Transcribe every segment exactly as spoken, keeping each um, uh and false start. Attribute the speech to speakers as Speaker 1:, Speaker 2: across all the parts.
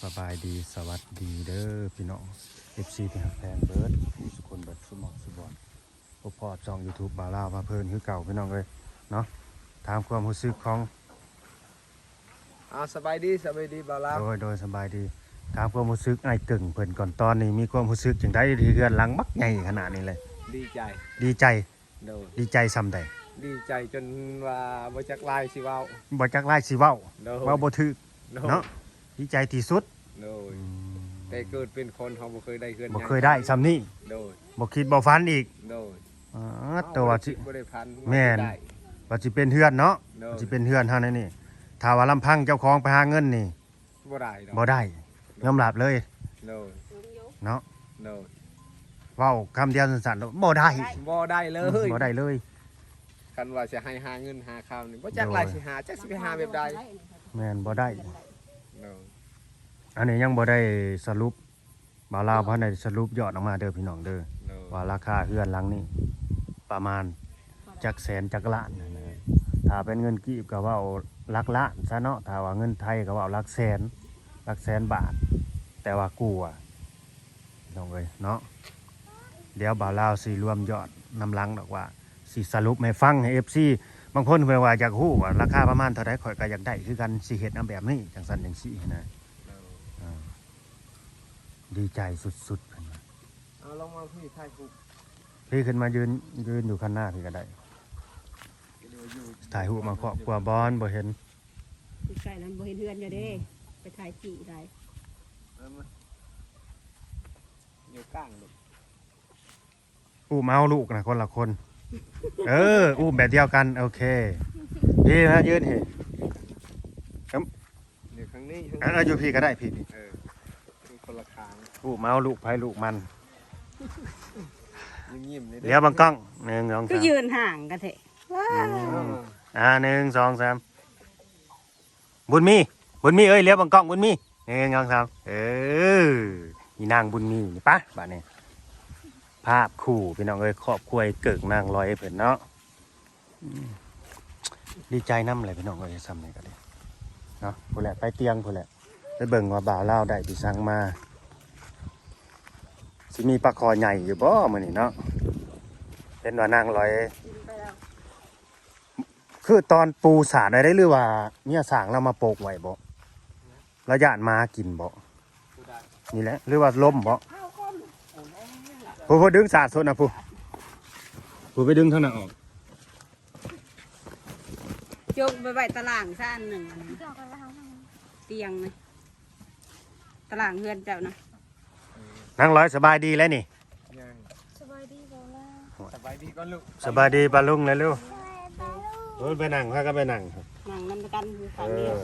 Speaker 1: สบายดีสวัสดีเด้อพี่น้อง เอฟ ซี ที่ฮักแฟนเบิร์ดผู้สุคนเบิร์ดสุหมองสุบอนพบพอช่อง YouTube บาลาวมาเพิ่นคือเก่าพี่น้องเลยเนาะถามความรู้สึกของ
Speaker 2: อ่าสบายดีสบายดีบ่าวลาว
Speaker 1: โดยโดยสบายดีถามความรู้สึกไอ้เก่งเพิ่นก่อนตอนนี้มีความรู้สึกจังได๋ที่เฮือนหลังบักใหญ่ขนาดนี้เลย
Speaker 2: ดีใจ
Speaker 1: ดีใจ
Speaker 2: โดย
Speaker 1: ดีใจซำใด
Speaker 2: ดีใจจนว่าบ่จักลายสิเว้า
Speaker 1: บ่จักหลายสิเว้า
Speaker 2: โดย
Speaker 1: เว้าบ่ถูก
Speaker 2: โดย
Speaker 1: เนาะดีใจที่สุด
Speaker 2: โดยแต่เกิดเป็นคนเขาบ่เคยได้เฮือน
Speaker 1: บ่เคยได้ซำนี้
Speaker 2: โดย
Speaker 1: บ่คิดบ่ฝันอีก
Speaker 2: โดย
Speaker 1: อ๋อแต่ว่าสิ
Speaker 2: บ่ได้พัน
Speaker 1: แม่น
Speaker 2: ได้
Speaker 1: ว่าสิเป็นเฮือนเนาะ
Speaker 2: โดย
Speaker 1: ว่าสิเป็นเฮือนเฮานี่นี่ถ้าว่าลำพังเจ้าของไปหาเงินนี่
Speaker 2: บ่ได้ดอก
Speaker 1: บ่ได้ยอมรับเลย
Speaker 2: โดย
Speaker 1: เนาะ
Speaker 2: โดย
Speaker 1: เว้าคำเดียวสั้นๆบ่ได้
Speaker 2: บ่ได้เลย
Speaker 1: บ่ได้เลย
Speaker 2: คันว่าสิให้หาเงินหาข้าวนี่บ่จักลายสิหาจักสิไปหาแบบใด
Speaker 1: แม่นบ่ได้
Speaker 2: โดย
Speaker 1: อันนี้ยังบ่ได้สรุปบ่าวลาวบ่ได้สรุปยอดออกมาเด้อพี่น้องเด้อ
Speaker 2: โดย
Speaker 1: ว่าราคาเฮือนหลังนี้ประมาณจักแสนจักล้านนะนะถ้าเป็นเงินกีบก็เว้าหลักล้านซะเนาะถ้าว่าเงินไทยก็เว้าหลักแสนหลักแสนบาท แต่ว่ากูอ่ะพี่น้องเอ้ยเนาะเดี๋ยวบ่าวลาวสิรวมยอดนำหลังดอกว่าสิสรุปให้ฟังให้ เอฟ ซี บางคนเพิ่นว่าอยากฮู้ว่าราคาประมาณเท่าใดข่อยก็อยากได้คือกันสิเฮ็ดเอาแบบนี้จังซั่นจังซี่นะ
Speaker 2: โดย
Speaker 1: อ่าดีใจสุดๆเพิ่นว่า
Speaker 2: เอาลองมาพี่ถ่ายรูป
Speaker 1: พี่ขึ้นมายืนยืนอยู่ข้างหน้าพี่ก็ได้
Speaker 2: เดี๋ยวอยู่
Speaker 1: ถ่ายรูปมาครอบครัวบอนบ่เห็น
Speaker 3: อยู่ใกล้นั้นบ่เห็นเฮือนอยู่เด้ไปถ่ายจีได้
Speaker 2: เอามาอยู่กลางลูก
Speaker 1: อู้มเอาลูกนะคนละคน เอออู้แบบเดียวกันโอเคพี่นะยืนเห็น
Speaker 2: อยู่ข้างนี้ข้าง
Speaker 1: อ่ะอยู่พี่ก็ได้พี่พี่
Speaker 2: เออเป็นคนละคาง
Speaker 1: อู้มเอาลูกไผลูกมัน
Speaker 2: ยิ้มๆนี่
Speaker 1: เดี๋ยวบังกล้องหนึ่งสอง
Speaker 3: ก็
Speaker 1: สาม
Speaker 3: ยืนห่างกันเถอะว้า
Speaker 2: เออ
Speaker 1: อ่าหนึ่งสองสามบุญมีบุญมีเอ้ยเลี้ยวบังกล้องบุญมีหนึ่งสองสามเออมีนางบุญมีนี่ปะบ้านนี้ภาพคู่พี่น้องเอ้ยครอบครัวเกิกนางลอยเพิ่นเนาะอืมดีใจน้ำเลยพี่น้องเอ้ยซ้ำนี่ก็ได้เนาะผู้แหละไปเตียงผู้แหละไปเบิ่งว่าบ่าวเล่าวได้ที่สั่งมาสิมีปลาคอใหญ่อยู่บ่มื้อนี้เนาะเป็นว่านางลอย คือตอนปูสาดได้หรือว่าเนี่ยสางเรามาโปกไว้บ่ระยะมากินบ่
Speaker 2: ผู้ใด
Speaker 1: นี่แหละหรือว่าล้มบ่ผู้ผู้ดึงสาดสดนะผู้ผู้ไปดึงเท่านั้นออก
Speaker 3: จกไปไว้ตารางซะอันหนึ่งอันนั้นเตียงนะตารางเฮือนเจ้านะ
Speaker 1: นางร้อยสบายดีแล้วนี่
Speaker 2: ยัง
Speaker 4: สบายดีบ่ล่ะ
Speaker 2: สบายดีก่อนลูก
Speaker 1: สบายดีปลาลุงเลยลูกโอ้ยไปนั่งพากันไปนั่งครับ
Speaker 3: นั่งนั่นกันอยู่
Speaker 1: เอ
Speaker 3: ฝั่งเดียว
Speaker 1: อ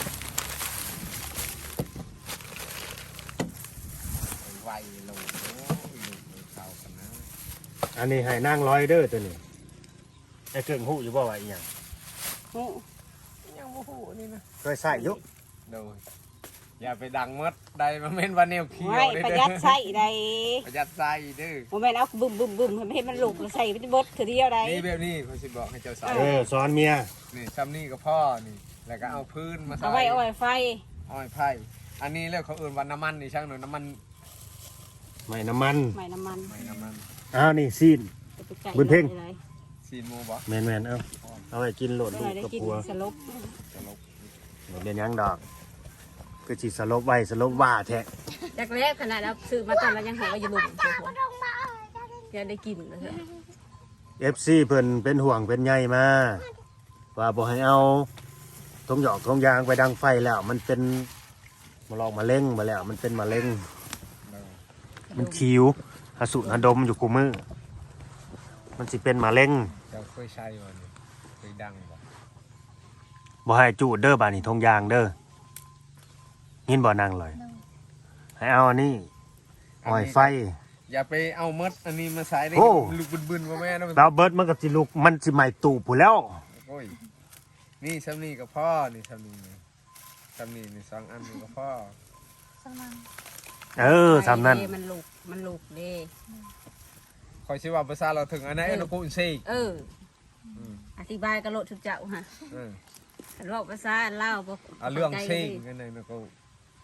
Speaker 2: ไวลูกโอ้ยลูกเลยเข้ากันนะ
Speaker 1: อันนี้ให้นางร้อยเด้อตัวนี้ไอ้เกิ่งหูอยู่บ่ว่าอีหยัง
Speaker 3: โอ้
Speaker 2: ยังโมโหนี่นะ
Speaker 1: เคยใส่อยุ
Speaker 2: โดยอย่าไปดังมดใดมาเม่นว่าแนวเขียว
Speaker 3: ไม่
Speaker 2: เด้
Speaker 3: ประ
Speaker 2: อ
Speaker 3: หยัดใส่ได้
Speaker 2: ประหยัดใส่เด้อ
Speaker 3: โมแม่นเอาบึมบึมบึมให้มันลุกแล้วใส่ไปเบิดเถื่อเดียวได้
Speaker 2: นี่แบบนี้เขาสิบอกให้เจ้าใส่
Speaker 1: เออสอนเมีย
Speaker 2: นี่ซ้ำนี่ก็พ่อนี่แล้วก็เอาพื้นมาใส่
Speaker 3: เอาไว้เอาไว้ไฟ
Speaker 2: อ้อยไผ่อันนี้เรียกเขาเอื่นว่าน้ำมันนี่ช่างหน่อยน้ำมัน
Speaker 1: ไม่น้ำมัน
Speaker 3: ไม่น้ำมัน
Speaker 2: ไม่น้ำมัน
Speaker 1: อ้าวนี่ซีน
Speaker 3: จะไปไก่
Speaker 1: บุญเพ็ง
Speaker 3: อะไร
Speaker 2: ซีนหมูบ่
Speaker 1: แมนแมนๆเอาเอาไว้กินโหลด
Speaker 3: เมื่
Speaker 1: ลู
Speaker 3: อก ไหร่ได้
Speaker 1: กับ
Speaker 3: กิน
Speaker 1: พัว
Speaker 3: สลบ
Speaker 2: ตลก
Speaker 1: บ่เป็นหยังดอกคือสิสลบไว้สลบว่าแท้
Speaker 3: จากแรกขนาดเราซื้อมาตอนเรายังหาว่าอยู่หลุมโอ้โหยังได้กินเลย
Speaker 1: เอฟซีเพิ่นเป็นห่วงเป็นใยมาว่าบ่ให้เอาทงหยอกทงยางไปดังไฟแล้ว มันเป็นมาลองมาเล่งมาแล้ว มันเป็นมะเร็ง
Speaker 2: เออ
Speaker 1: มันคิวหสุหดมอยู่กูมือมันสิเป็นมะเร็ง
Speaker 2: เจ้าเคยใช้บ่นี่เคยดังบ่
Speaker 1: บ่ให้จูดเด้อบาดนี้ทงยางเด้อยินบ่นางเลยให้เอาอันนี้อ้อยไฟ
Speaker 2: อย่าไปเอามดอันนี้มาใส่ได้
Speaker 1: โอ้
Speaker 2: ลูกบึนๆว่าแม่นะมัน
Speaker 1: ดาวเบิร์ดมันก็สิลุกมันสิใหม่ตู่ผู้แล้ว
Speaker 2: โอ้ยนี่ซ้ำนี่กับพ่อนี่ซ้ำนี่นี่ซ้ำนี่นี่สองอันนี่กับพ่อ
Speaker 4: สมัง
Speaker 1: เออสามนั้น
Speaker 3: เด้มันลุกมันลุกเด้
Speaker 2: คอยชิว่าภาษาเราถึงอันไหนอันกูอินซี
Speaker 3: เออ
Speaker 2: อืม
Speaker 3: อธิบายกระโดดทุกเจ้าฮะ
Speaker 2: เออ
Speaker 3: อันว่าภาษาอันเล่าวบ่
Speaker 2: เอาเรื่อง
Speaker 3: ข้าใจ
Speaker 2: ซิง
Speaker 3: ลย
Speaker 2: กันเลยนะกู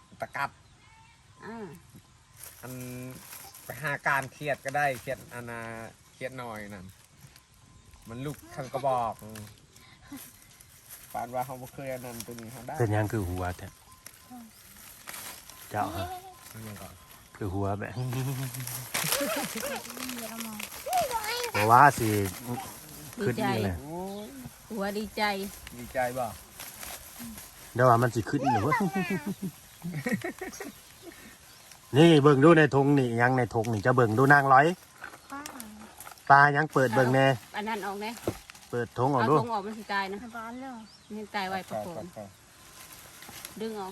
Speaker 2: ตะกัด
Speaker 3: อ่า
Speaker 2: อันไปหาการเครียดก็ได้เครียดอันนาเครียดหน่อยนั่นมันลุกข้างกระบอกปานว่าเขาบ่เคยอันนั้นตัวนี้เขาได้
Speaker 1: เป็นหยังคือหัวแท้เจ้าฮะ
Speaker 2: มันยังก่อน
Speaker 1: คือหัวแบบ
Speaker 4: เดี๋ยวเรามอง
Speaker 1: เพราะว่าสิ
Speaker 3: ดี
Speaker 1: ขึ้น
Speaker 3: ใจ
Speaker 1: นี่แหละ
Speaker 2: โอ้ย
Speaker 3: หัวดีใจ
Speaker 2: ดีใจบ่
Speaker 1: เดี๋ยวว่ามันสิขึ้นหรือวะ นี่เบิ่งดูในธงนี่ยังในธงนี่จะเบิ่งดูนางร้อย
Speaker 4: ป้า
Speaker 1: ปลายังเปิดเบิ่งแน่
Speaker 3: อันนั้นออกนะ
Speaker 1: เปิดธงออก
Speaker 3: เอา
Speaker 1: ดู
Speaker 3: ทงออกมันสิตายนะ
Speaker 4: ให้บ้านเลย
Speaker 3: มันตายไวประโผ
Speaker 2: ก่อน
Speaker 3: ม
Speaker 2: ก่อน
Speaker 3: ดึงออก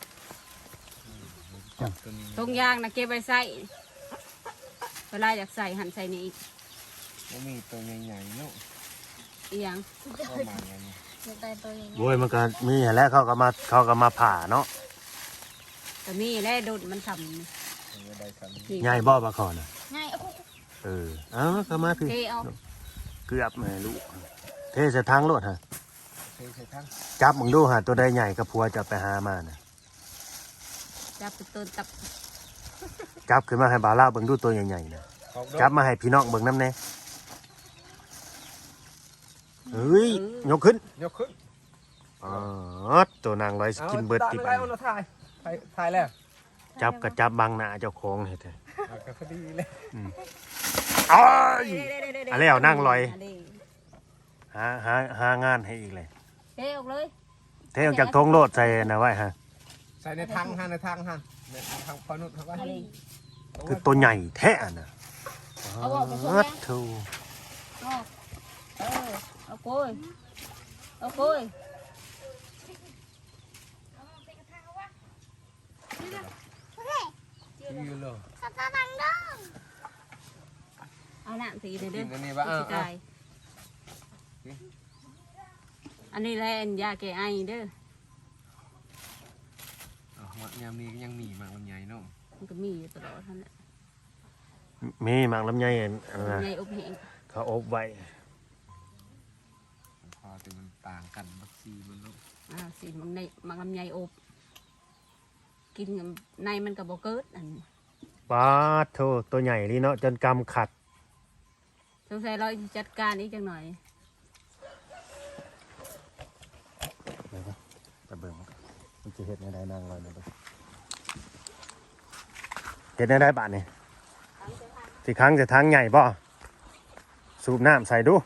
Speaker 2: จับตัวนี้
Speaker 3: ทงยางนะเก็บไว้ใส่เวลาอยากใส่หั่นใส่นี่อีก
Speaker 2: มันมีตัวใหญ่ๆเนาะ
Speaker 3: อีหยัง
Speaker 2: ก็มาอย่างนี้
Speaker 4: เดี๋ยวตายตัวใหญ่
Speaker 1: โว้ยมันก็มีหั่นแหล้วเขาก็มาเขาก็มาผ่าเนาะ
Speaker 3: แต่มีแล่ดุดมันท
Speaker 2: มันก็ได้ซ้ำ
Speaker 3: ำนี่
Speaker 1: ใหญ่บ่ปลาคอน่ะ
Speaker 4: ง่ายโอ้โห
Speaker 1: เออเอ้าก็มาพี่
Speaker 3: เทเอา
Speaker 1: เกือบแม่ลูกเทใส่ทางรถฮะ
Speaker 2: ใช่ใช่ทั้ง
Speaker 1: จับมึงดูฮะตัวใดใหญ่กับผัวจะไปหามาน่ะ
Speaker 3: จับไปต้นตับ
Speaker 1: จับขึ้นมาให้บ่าวเล่าเบิ่งดูตัวใหญ่ๆน่ะ
Speaker 2: ขอบ
Speaker 1: จับมาให้พี่น้องเบิ่งน้ำแน่เฮ้ยยกขึ้น
Speaker 2: ยกขึ้น
Speaker 1: อ๋อตัวนางร้อยสกินเบิร์ดติด
Speaker 2: อาได้เอาเราถ่ายถ่ายถ่ายแล้ว
Speaker 1: จับกับจับบังหน้าเจ้าของเฮ็ดให้
Speaker 2: เอาก็พอดีเลย
Speaker 1: อ้าย
Speaker 3: เด้ๆๆๆ
Speaker 1: อันแล้วนั่งลอย
Speaker 3: นนี้
Speaker 1: หาหาหางานให้อีกเลย
Speaker 3: เทออกเลย
Speaker 1: เทออกจากทงโลดใส่นะไว้ฮะ
Speaker 2: ใส่ในทางหันในทางหันในทางพอนุษย์เขาก็
Speaker 3: อันนี้
Speaker 1: คือตัวใหญ่แท้น่ะ
Speaker 3: เอาออกไปพวก
Speaker 1: อั
Speaker 3: นี้
Speaker 1: ดโธ่
Speaker 3: ออกเออเอาโกยเอาโกย
Speaker 2: ยืนเลย
Speaker 4: สตาร์ดังดัง
Speaker 3: เอาหน้าสีเลยเด้
Speaker 2: กิ
Speaker 3: อน
Speaker 2: อันนี้บ้า
Speaker 3: สิตายอันนี้แหละอันยาแก้ไอเด้อ
Speaker 2: ยามนี้ก็ยังมีมากมันใหญ่เนาะ
Speaker 3: มันก็มีอยู่ตลอดท่านแหละ
Speaker 1: มีหมากลำไยอันอันนั้น
Speaker 3: ใน
Speaker 1: น่ะ
Speaker 3: อบแห้ง
Speaker 1: เขาอบไว้
Speaker 2: พอแต่มันต่างกันบักซีมันเนาะ
Speaker 3: อ่าสีมันในมันลำไยอบกินกับในมันก็บ่เกิดอัน
Speaker 1: ปาดโธ่ตัวใหญ่นี่เนาะจนกำขัด
Speaker 3: สงสัยเราสิจัดการอีกจังหน่อย
Speaker 1: ไปเบิ่งมันจะเฮ็ดในใดนางลอยนะเบิ่งเฮ็ดในใดบาดนี่สิครั้งจะทางใหญ่บ่สูบน้ำใส่ดู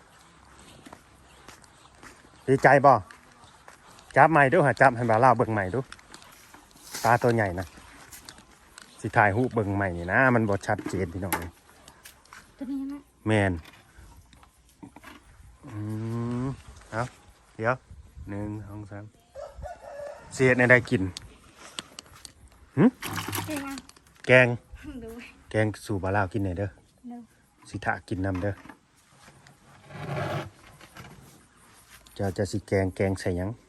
Speaker 1: ดีใจบ่จับใหม่ดูหาจับให้บ่าวเล่าเบิ่งใหม่ดูปลาตัวใหญ่นะสิถ่ายรูปเบิ่งใหม่นี่นะมันบ่ชัดเจนพี่น้อง
Speaker 4: ตัวนี้นะ
Speaker 1: แมนอืมเอาเดี๋ยวหนึ่งสองสามเสียดในได้กินหึ
Speaker 4: เดี๋ยวนะ
Speaker 1: แกง
Speaker 4: ดู
Speaker 1: แกงสู่บาลาวกินหน่อยเด้อ
Speaker 4: เร็ว
Speaker 1: สิทะกินนำเด้อจะจะสิแกงแกงใส่หยัง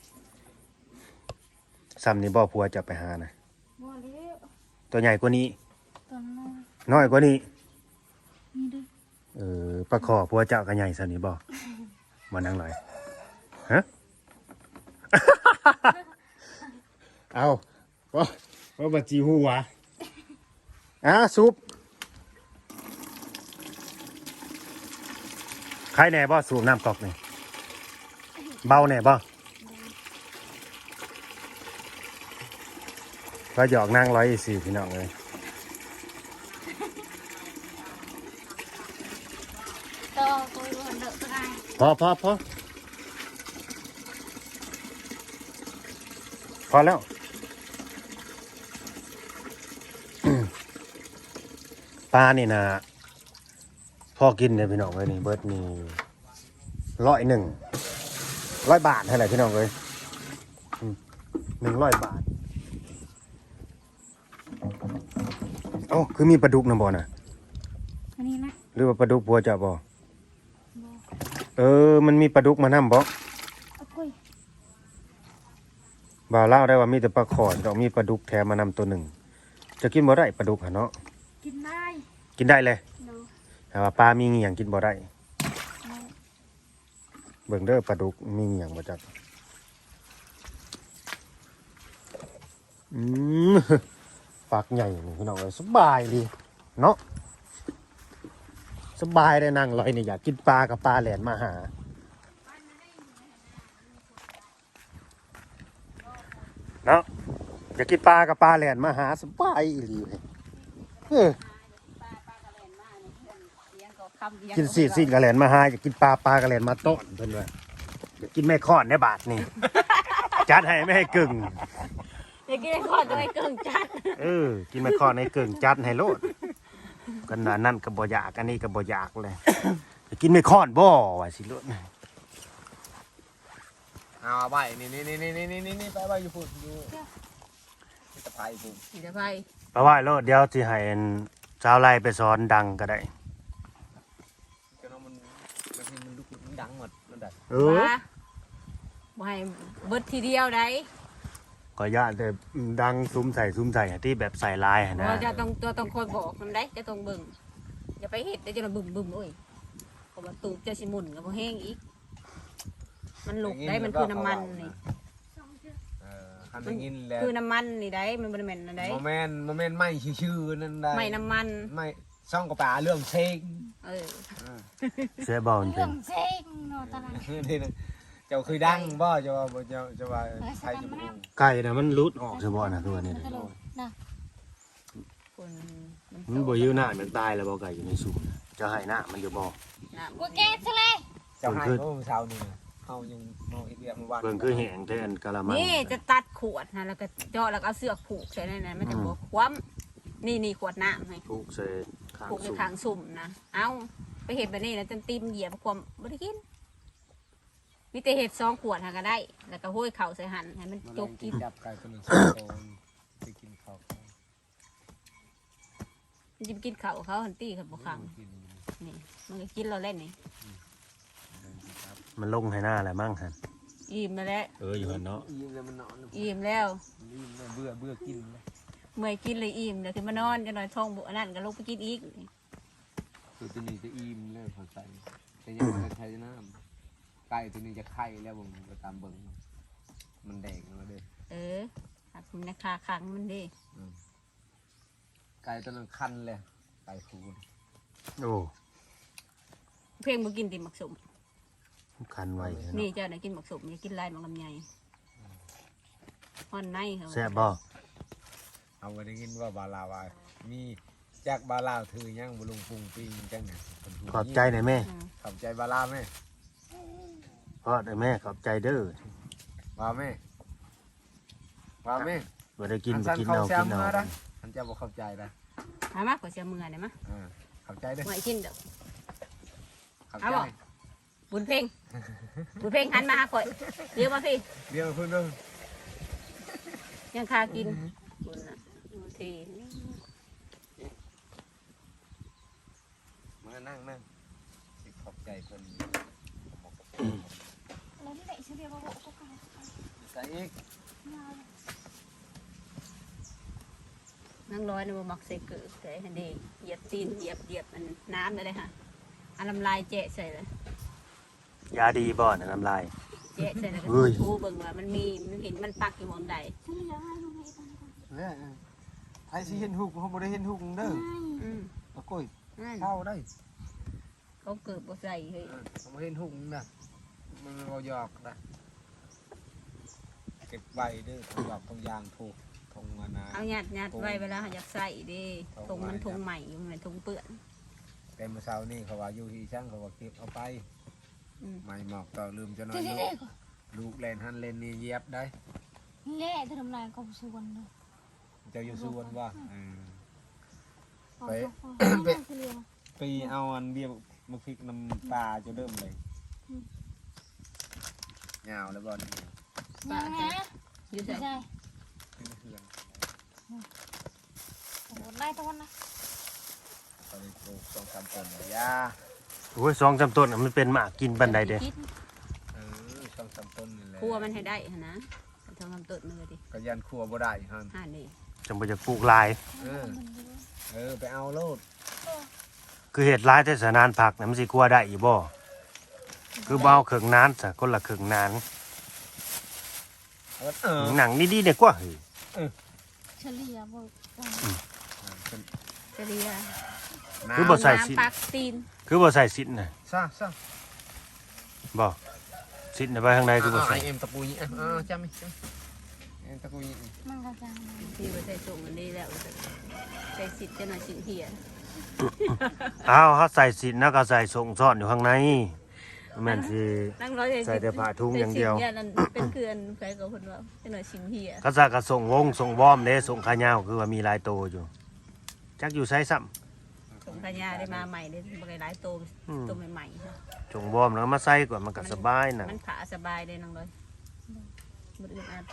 Speaker 1: ซ้ำนี่บ่ผัวจะไปหานะ
Speaker 4: บัวเลี้ยว
Speaker 1: ตัวใหญ่กว่านี้
Speaker 4: ตัวน้อย
Speaker 1: น้อยกว่านี้
Speaker 4: นี่ดู
Speaker 1: เออปลาขอผัวเจ้าก็ใหญ่ซ้ำนี่บ่มานั่งหน่อยฮะ เอาว่าว่าบัจีหัวอ่ะซุปใครแน่บ่สูบน้ำกอกนี่เบาแน่บ่ก็หยอกนั่งร้อยสี่พี่น้องเลย
Speaker 4: ตัวตัวเดือดตัวไหน
Speaker 1: พอพอพอพอแล้ว ปลานี่นะพอกินเนี่ยพี่น้องเลยนี่เบิร์ดนี่ร้อยหนึ่งร้อยบาทเท่าไหร่พี่น้องเลยอืมหนึ่งร้อยบาทเอ้าคือมีปลาดุกนะบ่น่ะ
Speaker 4: อันนี้นะ
Speaker 1: หรือว่าปลาดุกบัวจะบ่
Speaker 4: บัว
Speaker 1: เออมันมีปลาดุกมานํบ่
Speaker 4: เอาคุย
Speaker 1: บ่าวเล่าได้ว่ามีแต่ปลาขอดดอกมีปลาดุกแถมมานำตัวหนึ่งจะกินบ่ได้ปลาดุกหะเนาะ
Speaker 4: กินได้
Speaker 1: กินได้เลย
Speaker 4: เนาะ
Speaker 1: แต่ว่าปลามีเงี่ยงกินบ่ได้
Speaker 4: เนาะ
Speaker 1: เบิ่งเด้อปลาดุกมีเงี่ยงบ่จักอือืมปากใหญ่นี่พี่น้องเอ้ยสบายดีเนาะสบายได้นั่งลอยนี่อยากกินปลากับปลาแหลนมาหาเนาะอยากกินปลากับปลาแหลนมาหาสบายอีหลีเลยเออกินสีดสีดกับแหลนมาหาอยากกินปลาปลากับแหลนมาต้อนเพิ่นว่าอยากกินแม่ข้อนในบาทนี่ จัดให้ไม่ให้กึ่ง
Speaker 3: อยากกินไอ้ขอดตัวไอ้เกิ่งจัด
Speaker 1: เออกินแม่ข้อนในกึ่งจัดให้โลดกันว่านั่นก็บ่อยากอันนี้ก็บ่อยากเลยอยากกินแม่ข้อนบ่ว่าสิโลด
Speaker 2: เอาใบนี่นี่นี่นี่นี่นี่นี่ไปใบอยู่พุ่นอยู่ที่ตะไคร้พุ่น
Speaker 3: สิจะไป
Speaker 1: ไปไหว้โลดเดี๋ยวสิให้ชาวไร่ไปสอนดังก็ได้
Speaker 2: จนมันมันมันลุกมันดังหมดมันดัง
Speaker 1: เออ
Speaker 3: ว่าบ่ให้เบิดทีเดียวได้
Speaker 1: ก็ย่านแต่ดังซุ้มใส่ซุ้มใส่ที่แบบใส่ลายหั่นนะ
Speaker 3: เราจะต้องตัวต้องคอยบอกมันได้จะต้องเบิ่งอย่าไปเฮ็ดได้จะบึมบึมโอ้ยเพราะว่าตูบจะสิหมุนก็บ่แห้งอีก มันลุกได้มันคือน้ำมันนี่
Speaker 2: เออคันได้ยินแล้ว
Speaker 3: คือน้ำมันนี่ได้มันบ่ได้แม่นอันใด
Speaker 2: โมเมนต์โมเมนต์ไม่ชื่อๆนั่นได้
Speaker 3: ไม่น้ำมัน
Speaker 2: ไม่ซ่องกระป๋าเรื่องเชง
Speaker 3: เออ
Speaker 1: เสียบ่มันเป็
Speaker 4: เรื่อน งเซ็งเนาะตอนนั้น
Speaker 2: นี่นะเจ้าเคยดังบ่เจ้าว่าบ่เจ้าเจ้าว่าใครจะบ่รู้
Speaker 1: ไก่น่ะมันหลุดออกใช่บ่น่ะตัวนี้
Speaker 4: ตลกนะ
Speaker 3: คนมัน
Speaker 1: มันบ่อยู่หน้ามันตายแล้วบ่ไก่อยู่ในสูงจะให้หน้ามันอยู่บ่
Speaker 3: น้ำ
Speaker 4: กูแกทะเล
Speaker 2: เจ้าให้เมื่อเช้านี่นะเฮายังเมาอีกเดียวเมื่อวาน
Speaker 1: เพิ่นคือแห้งแทนกะละมัง
Speaker 3: นี่จะตัดขวดนะแล้วก็เจาะแล้วก็เอาเสือกผูกใส่ในนั้นมันจะบ่คว่ำนี่นี่ขวดน้ำให้
Speaker 1: ถูกใส่ข้าง
Speaker 3: ผูกใน
Speaker 1: สูง
Speaker 3: ทางสุ่มนะเอาไปเห็ดแบบนี้แล้วจนตีมเหยียบความบ่ได้กินมีแต่เห็ดสองขวดหาก็ได้ แล้วก็ห้อยเข่าใส่หันให้มันจกกิน
Speaker 2: จับไก่ตัวหนึงสองตัวไปกินข้าว
Speaker 3: มันจะไปกินเข่าวเขาหันตี้เขาบ่ขัง
Speaker 2: กิน
Speaker 3: นี่มันก็กินเราเล่นนี่
Speaker 1: มันลงให้หน้าแหละมั่งหั่น
Speaker 3: อิ่มมาแล้ว
Speaker 1: เอออยู่หั่นเนาะ
Speaker 2: อิ่มแล้วมันนอน
Speaker 3: อิ่มแล้ว
Speaker 2: อิ่มแล้วเบื่อเบื่อกินเลย
Speaker 3: เมื่อยกินเลยอิ่มเดี๋ยวขึ้นมานอนจะนอนท้องบุอันนั้นก็ลงไปกินอีก
Speaker 2: คือตัวนี้จะอิ่มแล้วพอใส่แต่ยังไม่ได้ใช้น้ำไก่ตัวนี้จะไข่แล้วผมไปตามเบิ่งมันแดงแล้วเด้อ
Speaker 3: เออหักมันนะคาขังมันดิ
Speaker 2: ไก่ตัวนั้นคันเลยไก่ฟูน
Speaker 1: โอ้
Speaker 3: เพ่งมากินติหมักสม
Speaker 1: คันไว้
Speaker 3: นี่
Speaker 1: เนาะ
Speaker 3: เจ้าไหนะกินหมักสมอย่ากินลายหมักลำไยห่อนในเขา
Speaker 1: แซ่บบ่
Speaker 2: เอาไปได้ยินว่าบาลาวามีจากบาลาวถือยังบุลุงปุงปิงจังเนี่ย
Speaker 1: ขอบใจหน่อยแม่
Speaker 3: อืม
Speaker 2: ขอบใจบาลาวไหม
Speaker 1: พ่อได้แม่ขอบใจเด้อ
Speaker 2: ว่าไหมว่าไหม
Speaker 1: บ่ได้กิน
Speaker 2: อั
Speaker 1: บ่
Speaker 2: สัน
Speaker 1: กิน
Speaker 2: เขา
Speaker 1: เอา
Speaker 2: แซ
Speaker 1: กิ
Speaker 2: ม
Speaker 1: นเอา
Speaker 2: มาได้อันเจ้าบอกเข้าใจได้
Speaker 3: หามากกว่าเสียมือได้มะ
Speaker 2: อ่าเข้าใจเด้อ
Speaker 3: เมื่อยกินเด้อ
Speaker 2: เข้า
Speaker 3: เอา
Speaker 2: ใจ
Speaker 3: บ่ บุญเพ่งบุญเพ่งหันมาหาข่อยเดี๋ยวมาพี่
Speaker 2: เดี๋ยวเพิ่นเด้อ
Speaker 3: ยังคากินบุญน่ะบุญที
Speaker 2: มานั่งนั่งสิขอบใจเพิ่น
Speaker 4: แล้วนี่ไหนเฉลี่ยมาบอกกูกัน
Speaker 2: ใส่อีก
Speaker 3: นั่งร้อยในบ่มักใส่เกลือแต่ให้ดีเหยียบตีนเหยียบเหยียบมันน้ำเลยค่ะอันลำลายแจะใส่เลย
Speaker 1: ยาดีบ่น่ะน้ำลาย
Speaker 3: แจะใส่แล้วก็
Speaker 1: เฮ้ย
Speaker 3: ทูเบิ่งว่ามันมีมันเห็นมันปักอยู่หมองใด
Speaker 4: เฉลี่ยให้ลูกให้ตอนนี้ก่อน
Speaker 2: เนี่ยไอ้สิเห็นหุกเขาบ่ได้เห็นหุกเด้อ
Speaker 3: อืม
Speaker 2: ตะกุ้ย
Speaker 3: นั่น
Speaker 2: เข้าได้
Speaker 3: เขาเกิดบ่ใส่เฮ้ย
Speaker 2: เขาบ่เห็นหุกนะมันบ่หยอกนะเก็บไว้เด้อต้องหยอกต้องยางถูกทงมานา
Speaker 3: เอาหยัดหยัดไว้เวลาเขาอยากใส่เดิทงมันทงใหม่อยู่มันทงเปื้อน
Speaker 2: แต่เมื่อเช้านี่เขาว่าอยู่ที่ช่างเขาว่าเก็บเอาไป
Speaker 3: อืม
Speaker 2: ไม่หมอกต่อลืมจะน้อย
Speaker 4: เฉลี่ย
Speaker 2: ลู
Speaker 4: ได้
Speaker 2: ก
Speaker 4: ก่อน
Speaker 2: ลูกเล่นหันเล่นนี่เหยียบได้
Speaker 4: เละจะทำลายกองส่วนเลย
Speaker 2: เจ้าอยู่ส่วนว่าเออ
Speaker 4: กอง
Speaker 2: ไป
Speaker 4: ส่วนเฉลี่ย
Speaker 2: ไปเอาอันเดียวมาพริกน้ำปลาจะเริ่มเลยยาวแล้วบอล
Speaker 4: ยังไง
Speaker 3: อยู่
Speaker 4: ใช่
Speaker 3: ใส่
Speaker 2: ขึ้นเขื่อน
Speaker 4: โอ้ได้ตอนนะ
Speaker 2: ตอนนี้ปลูกสองสามต้นเลยยา
Speaker 1: โอ้ยสองจำต้นน่ะมันเป็นหมากกินบันไดเด้
Speaker 3: กิน
Speaker 2: เออสองสามต้นนี่แหละ
Speaker 3: ครัวมันให้ได้หั่นนะทำคำตดมือดิ
Speaker 2: ก็ยันครัวบ่ได้ฮัน
Speaker 3: ห่านี่
Speaker 1: จังบ่จะปลูกหลาย
Speaker 2: เออเออไปเอาโลด
Speaker 1: คือเฮ็ดหลายแต่สนานผักน่ะมันสิกลัวได้อีบ่คือบ่เอาเครื่องนานซะคนละเครื่องนาน
Speaker 2: เอาเออ
Speaker 1: หนังดีๆเนี่ยกว่าเฮ้ย
Speaker 4: ลี่ยบ่จัง
Speaker 3: จะเรีย
Speaker 1: คือบ่ใส่สิน
Speaker 3: น้ำปักตีน
Speaker 1: คือบ่ใส่สินน่ะ
Speaker 2: ซะซะ
Speaker 1: บ่สินน่ะไปทางใดคือบ่ใส่
Speaker 2: เอ็มตะปูนี่อ่ะจำไหมจำเอ็มตะปูนี่
Speaker 4: มันก็จัง
Speaker 3: ที่บ่ใส่ส่งอันนี้แล้วใส่สิทธิ์จะหน่อยสิงเหีย
Speaker 1: อ้าวเฮาใส่สินแล้วก็ใส่ส่งซ่อนอยู่ข้างในแม่นสิ
Speaker 3: นั่งร้อย
Speaker 1: ใส่แต่ผ้าถุงอย่างเดียว
Speaker 3: ใส่สินเนี่ยนั่นเป็นเกลือนใครก็คนว่าจะหน่อยสิงเหีย
Speaker 1: เขาซะก็ส่งวงส่งวอมเด้ส่งขายาวคือว่ามีหลายโตอยู่จักอยู่ไสซ้ำ
Speaker 3: สงขยาได้มาใหม่ได้บางหลายโต
Speaker 1: อืม
Speaker 3: โตใหม่ๆค่ะ
Speaker 1: ส่งวอมแล้วก็มาใส่ก่อนมันก็สบายน่ะ
Speaker 3: มันขาสบายเลยน้องร้อยบ่อึดอัด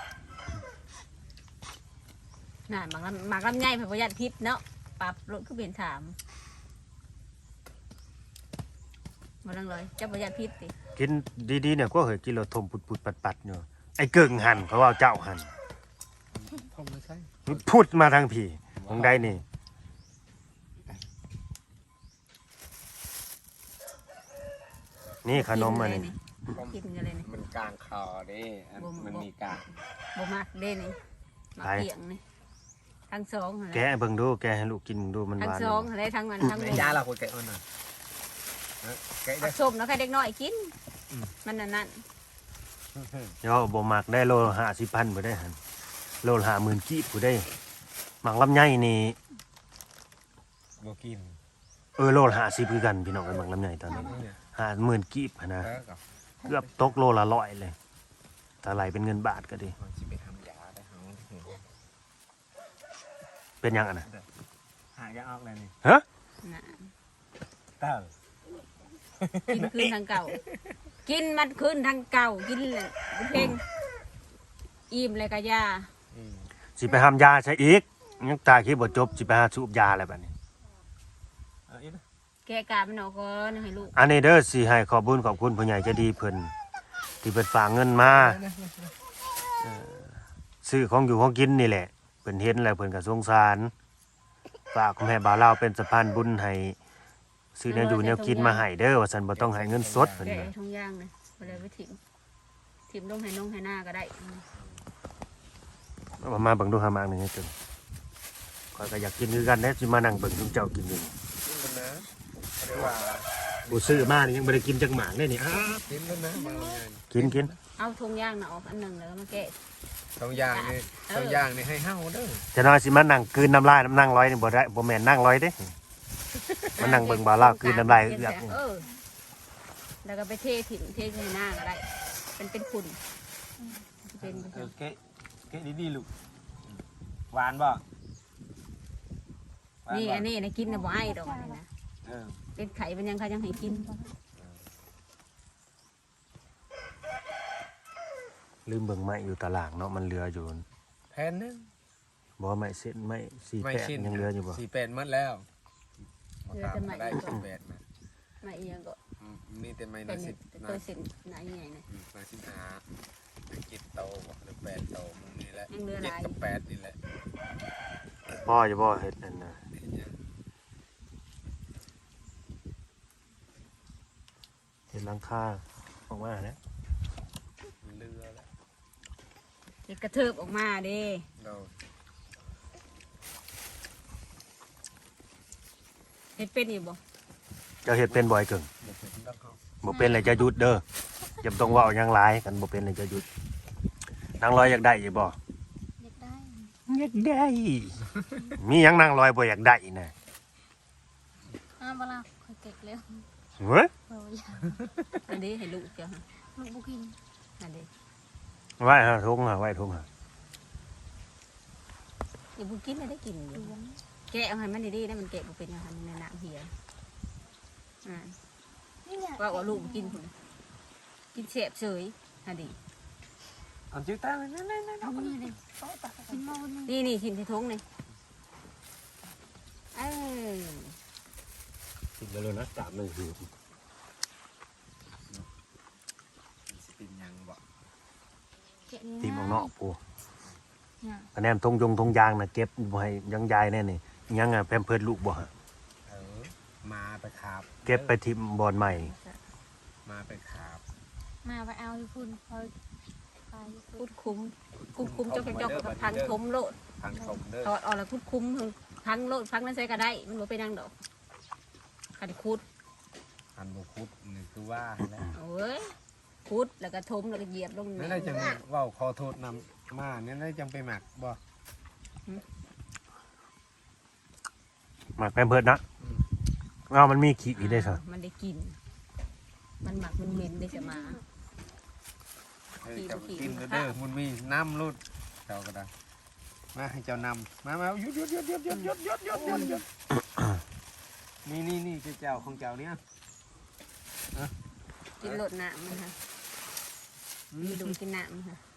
Speaker 3: น่ะบางลำบางลำไยพระประหยัดพิษเนาะปรับรถคือเปลี่ยนถามมาดังเลยเจ้าประหยัดพิษติ
Speaker 1: กินดีๆเนี่ยก็เฮ้ยกินแล้วทมปุดๆปัดๆอยู่ไอ้เกิ่งหั่นเขาว่าเจ้าหั่น
Speaker 2: ทำไม่ใช่
Speaker 1: พูดมาทางพี่มองได้นี่นี่ขนมอันนี้
Speaker 3: กินกันเลยนี่
Speaker 2: มันกลางคอเด้มันมีกลาง
Speaker 3: บ่มากเด้นี่มาเกี่ยงนี่ทั้งสองหั่นแห
Speaker 1: แกะ
Speaker 3: ละ
Speaker 1: เบิ่งดูแกะให้ลูกกินดูมันห
Speaker 3: ทั้ง
Speaker 1: วาน
Speaker 3: สองหั่นแหละทั้งมันทั้ง
Speaker 2: ใน
Speaker 3: นม
Speaker 2: ยาเราคุยกันน่ะแกะได้
Speaker 3: ผักส้มแล้วใครเด็กน้อยกินมันนั่นนั่น
Speaker 1: เดี๋ยวบ่มักได้โลห้าสิบพันบ่ได้หั่นโลห้าหมื่นกีบบ่ได้หมักลำไยนี่
Speaker 2: บ่กิน
Speaker 1: เออโลห้าสิบคือกันพี่น้องไอ้หมักลำไยตอนนี้ห้าหมื่นกีบหั่นนะ
Speaker 2: เออกับ
Speaker 1: เกือบตกโลละร้อยเลยถ้าไหลเป็นเงินบาทก็ดี
Speaker 2: มันสิไปทำยาได้เฮา
Speaker 1: เป็นหยังอ่ะนะ
Speaker 2: หายาออกเลยนี่
Speaker 1: ฮะ
Speaker 3: น่ะ
Speaker 2: เต้า
Speaker 3: กินคืนทางเก่า กินมันคืนทางเก่ากินเลยเพ่งอิ่มเลยกะยา
Speaker 1: สิไปหามยาใช้อีกยังตาคิดบ่จบสิไปหาสูบยาอะไรแบบนี้
Speaker 2: เอออีนะ
Speaker 3: แกกามันออกก่อนให้ลูก
Speaker 1: อันนี้เด้อสิให้ขอบคุญขอบคุณผู้ใหญ่ใจะดีเพิ่นที่เพิ่นฝากเงินมาเอ่อซื้อของอยู่ของกินนี่แหละเพิ่นเห็นแล้วเพิ่นก็สงสารฝากคุณแม่บ่าวลาวเป็นสะพานบุญให้ซื้อแนวอยู่แนวกินมาให้เด้อว่าซั่นบ่ต้องให้เงินสดเพิ่น
Speaker 3: แกะ
Speaker 1: ว่า
Speaker 3: ทุ่งย่างเลยไปเลยไปถิ่มถิ่มลงให้น้องให้หน้าก็ได้
Speaker 1: เอามาเบิ่งดูหามากหนึงให้เกินข้อยก็อยากกินคือกันแท้สิมานั่งเบิ่งซุมเจ้ากินอยู่
Speaker 2: กินแล้วนะเรียกว่า
Speaker 1: บ่ซื้อมานี่ยังบ่ได้กินจักหมากเลยนี่อ้า
Speaker 2: กินแล้วนะมาไง
Speaker 1: กินกิน
Speaker 3: เอาทุ่งย่างน่ะออกอันหนึ่งแล้วก็มาแกะ
Speaker 2: สองอย่างนี่สองอย่างนี่ให้เฮาเด้อ
Speaker 1: จะน้อยสิมานั่งกลืนน้ำลายน้ำนั่งร้อยนี่บ่ได้บ่แม่นนั่งร้อยเด้มานั่งเบิ่งบ่าวลาวกลืนน้ำลายเอือก
Speaker 3: เออแล้วก็ไปเทถิ่มเทให้หน้าก็ได้เป็นเป็นฝุ่นเป็น
Speaker 2: เออเกะเกะดีๆลูกหวานบ่
Speaker 3: นี่อันนี้นะกินนะบ่ไอ้ดอกอันนี้นะ
Speaker 2: เออ
Speaker 3: เป็นไข่เป็นยังเขายังให้กิน
Speaker 1: ลืมเบิ่งไม้อยู่ตารางเนาะมันเหลืออยู่
Speaker 2: แพนนึง
Speaker 1: บ่ว่าไม้เส้นไม้สี่
Speaker 2: ไม่
Speaker 1: แปด
Speaker 2: ชิ้น
Speaker 1: ยังเหลืออยู่บ่
Speaker 2: สี่เป็ดหมดแล้ว
Speaker 3: เหลือแต่ไม้
Speaker 2: ได้สี่เป็ดมา
Speaker 3: มาเอียงก็
Speaker 2: อืมมีแต่ไม่
Speaker 3: เป็
Speaker 2: น่าน สิบ
Speaker 3: ตัวเส้นไหนใหญ่นะ
Speaker 2: อืมน่าสิบห้าเจ็ดโตบ่หรือแปดโตมึงนี่แหละ
Speaker 3: ยังเหลือห
Speaker 2: เจ็ด
Speaker 3: ลาย
Speaker 2: กับแปดนี่แหละ
Speaker 1: พ่อจะบ่เฮ็ดนั่นน่ะ
Speaker 2: เห็นยัง
Speaker 1: เฮ็ดหลังคาออกมาแล้ว
Speaker 2: มันเลือแล้ว
Speaker 3: เด็กกระเทิบออกมาเด้
Speaker 2: เรา
Speaker 3: เห็ดเป็นอยู่บ่
Speaker 1: เจ้าเฮ็ดเป็นบ่อยเกิง
Speaker 2: เด็กเป็นต้องเขา
Speaker 1: บ่เป็นเลยจะหยุดเด้ออย่าต้องเว้าหยังหลายกันบ่เป็นเลยจะหยุดนางลอยอยากได้อยู่บ่
Speaker 4: อยากได้
Speaker 1: อยากได้ มีหยังนางลอยบ่อยากได้น่ะ
Speaker 4: อ้าวเวลาคอยเก็บแล้ว
Speaker 1: เฮ้ย
Speaker 4: เราอยาก
Speaker 3: อันนี้ให้ลูกเจ้าฮะ
Speaker 4: ลูกบุกิน
Speaker 3: อันนี้
Speaker 1: ไว้ฮะทุ่งฮะไว้ทุ่งฮะ
Speaker 3: อย่าบุกินไม่ได้กินอยู่
Speaker 4: ดวน
Speaker 3: แกะเอาให้มันดีๆได้มันแกะบ่เป็นอย่างนั้นในน้ำเหียอ่า
Speaker 4: นี่แหละ
Speaker 3: ว่าว่าลูกกินพุ่นกินเสบเฉยฮะดี
Speaker 2: เอาจิ้วตาเลยนั่นนั่นนั่น
Speaker 4: เอามือเลยกินมาวันนึง
Speaker 3: นี่นี่ทิมที่ทงนี่เออ
Speaker 1: กินแล้วนะตามเลยคือ
Speaker 2: สิเป็นยังบ่
Speaker 4: เก็บนี่
Speaker 1: ตีมออกนอกปู
Speaker 4: เนี่ย
Speaker 1: คะแนนทงยงทงยางน่ะเก็บบ่ให้ยังยายแน่นี่ยังอ่ะแพมเพิร์สลูกบ่ฮะ
Speaker 2: เออมาไปขาบ
Speaker 1: เก็บไปทิมบอลใหม่
Speaker 2: มาไปขาบ
Speaker 4: มาไปเอาอยู่คุณคอยไปอยู่คุ
Speaker 3: พู
Speaker 4: ณ
Speaker 3: ดคุ้มคุ้มคุ้มเจ้าแก่เจ้ากับทางทมโลด
Speaker 2: ทางชมเด้อ
Speaker 3: ถอดออกแล้วคุดคุ้มพังโลดพังนั่นใส่ก็ได้มันบ่เป็นหยังดอกคันคุด
Speaker 2: อันบุคุดนี่คือว่าแล้ว
Speaker 3: โอ้ยคุดแล้วก็ทมแล้วก็เหยียบลง
Speaker 2: นั่น
Speaker 3: นี่
Speaker 2: ได้จังเว่าขอโทษนำมาเนี่ยได้จังไปหมักบ่
Speaker 1: หมักแพมเพิร์ดนะเอามันมีขี้อีได้ซะ
Speaker 3: มันได้กิน มันหมักมันเหม็นได้จะมา
Speaker 2: เออเจ้ากินเด้อมันมีน้ำรุดเจ้าก็ได้มาให้เจ้านำมามาหยุดหยุดหยุดหยุดหยุดหยุดหยุดหยุดหยุดหยุดนี่นี่นี่เจ้าของเจ้าเนี่ย
Speaker 3: กินโลดน้ำมันค่ะมีดูกินน้ำมันค่ะ